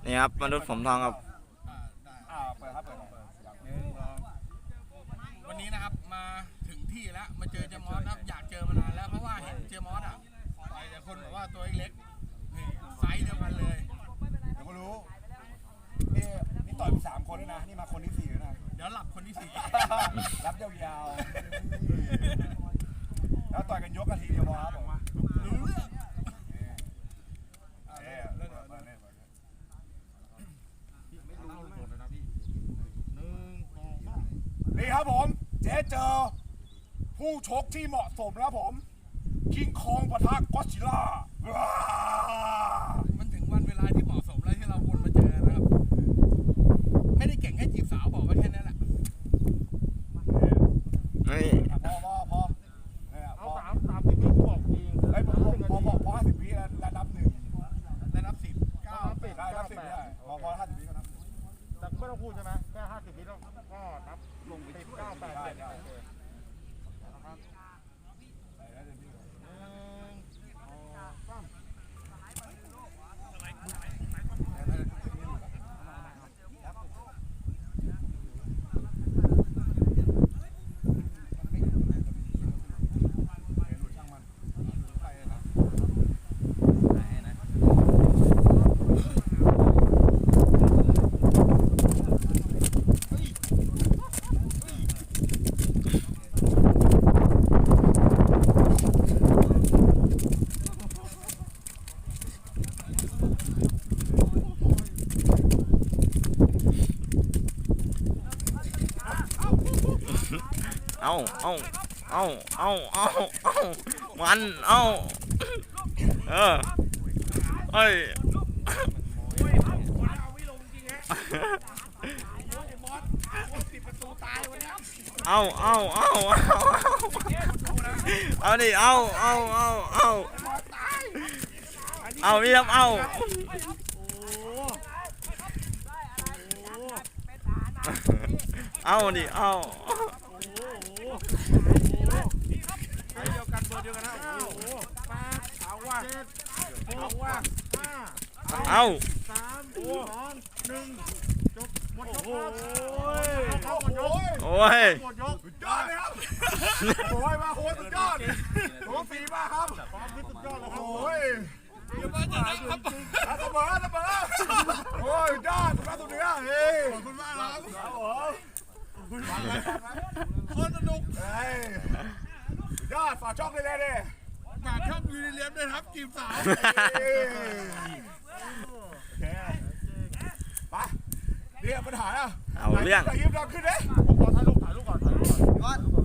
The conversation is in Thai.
นี่ครับมนุษย์ผมทองครับเปิดครับเปิดวันนี้นะครับมาถึงที่แล้วมาเจอเจมอสครับอยากเจอมานานแล้วเพราะว่าเห็นเจมอสต่อยแต่คนบอกว่าตัวเล็กนี่ไซส์เดียวกันเลยเดี๋ยวก็รู้นี่ต่อยไป3 คนแล้วนะนี่มาคนที่4แล้วนะเดี๋ยวหลับคนที่4รับยาวๆแล้วต่อยกันยกกันทีเดียวพอครับบอกว่ารู้เรื่องนี่ครับผมเจ๊เจอผู้ชกที่เหมาะสมแล้วผมคิงคองปะทะก็อดซิลล่ามันถึงวันเวลาที่เหมาะสมแล้วที่เราวนมาเจอนะครับไม่ได้เก่งแค่จีบสาวบอกว่าแค่นั้นแหละพอเอา30 วิบอกจริงไอ้พอ50 วิแล้วนับ1แล้วนับ10ได้นับ10ได้พอ50 วิก็นับแต่ไม่ต้องพูดใช่ไหมแค่50 วิแล้วก็นับลงไป9 8 7 มันเอ้ยเอาดิเอาพี่ครับเอาดิเดียวกันเบอร์เดียวกันนะเอาว่าเอา 3 2 1จบหมดยกโอ้ยหมดยกสุดยอดเลยครับโอ้ยมาโคตรสุดยอดโอ้ฝีมากครับความสุดยอดเลยครับโอ้ยเดี๋ยวมาจะได้ครับเสมอโอ้ยยอดมาตรงนี้เฮ้ยขอบคุณมากครับโคตรสนุกยอดฝากช่องเลยดิฝากช่องยูนิเลียมด้วยครับจีบสาวไปเดี๋ยวปัญหาอ่ะเอาเรื่องยิ้มเราขึ้นเลยผมขอถ่ายรูปก่อน